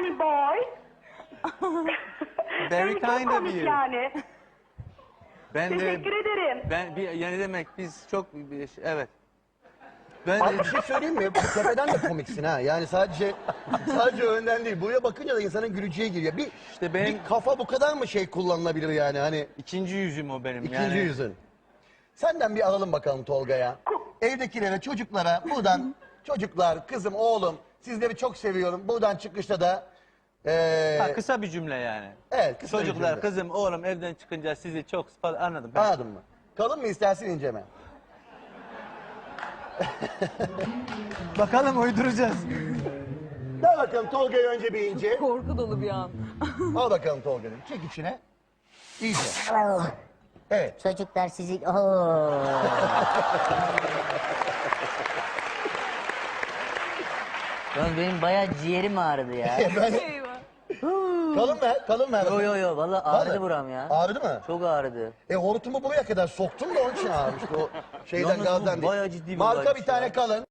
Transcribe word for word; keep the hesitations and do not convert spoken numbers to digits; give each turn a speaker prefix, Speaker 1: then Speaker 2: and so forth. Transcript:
Speaker 1: funny boy.
Speaker 2: Very
Speaker 1: Yani
Speaker 2: kind
Speaker 1: çok
Speaker 2: of
Speaker 1: komik
Speaker 2: you.
Speaker 1: yani.
Speaker 2: Ben de
Speaker 1: Teşekkür ederim.
Speaker 2: ben bir yani demek biz çok bir- evet. Ben
Speaker 3: Abi bir şey söyleyeyim mi? Bu tepeden de komiksin ha. Yani sadece sadece önden değil. Buraya bakınca da insanın güleceği geliyor. Bir,
Speaker 2: İşte benim-
Speaker 3: bir kafa bu kadar mı şey kullanılabilir yani hani
Speaker 2: ikinci yüzüm o benim
Speaker 3: ikinci
Speaker 2: yani.
Speaker 3: yüzün. Senden bir alalım bakalım Tolga'ya. Evdekilere, çocuklara buradan çocuklar, kızım, oğlum sizleri çok seviyorum. Buradan çıkışta da eee
Speaker 2: Ha, kısa bir cümle yani.
Speaker 3: evet, kısa bir
Speaker 2: Çocuklar,
Speaker 3: cümle.
Speaker 2: kızım, oğlum evden çıkınca sizi çok falan anladım. Ben.
Speaker 3: Anladın mı? Kalın mı istersin ince mi?
Speaker 2: Bakalım uyduracağız.
Speaker 3: Ver bakalım Tolga'ya önce bir ince.
Speaker 4: Korku dolu bir an.
Speaker 3: Al bakalım Tolga'nın. Çek içine. İyice. Evet.
Speaker 5: Çocuklar sizi... Oo. Lan benim bayağı ciğerim ağrıdı ya.
Speaker 3: Ben... Kalın mı? Kalın mı?
Speaker 5: Yo yo yo valla ağrıdı
Speaker 3: Vallahi.
Speaker 5: buram ya.
Speaker 3: Ağrıdı mı?
Speaker 5: Çok ağrıdı.
Speaker 3: E hortumu buraya kadar soktun da onun için ağrımıştı o şeyden
Speaker 2: Yalnız bu
Speaker 3: gazdan değil.
Speaker 2: bayağı ciddi bir
Speaker 3: Marka
Speaker 2: olaymış
Speaker 3: bir tane
Speaker 2: ya.
Speaker 3: kalın.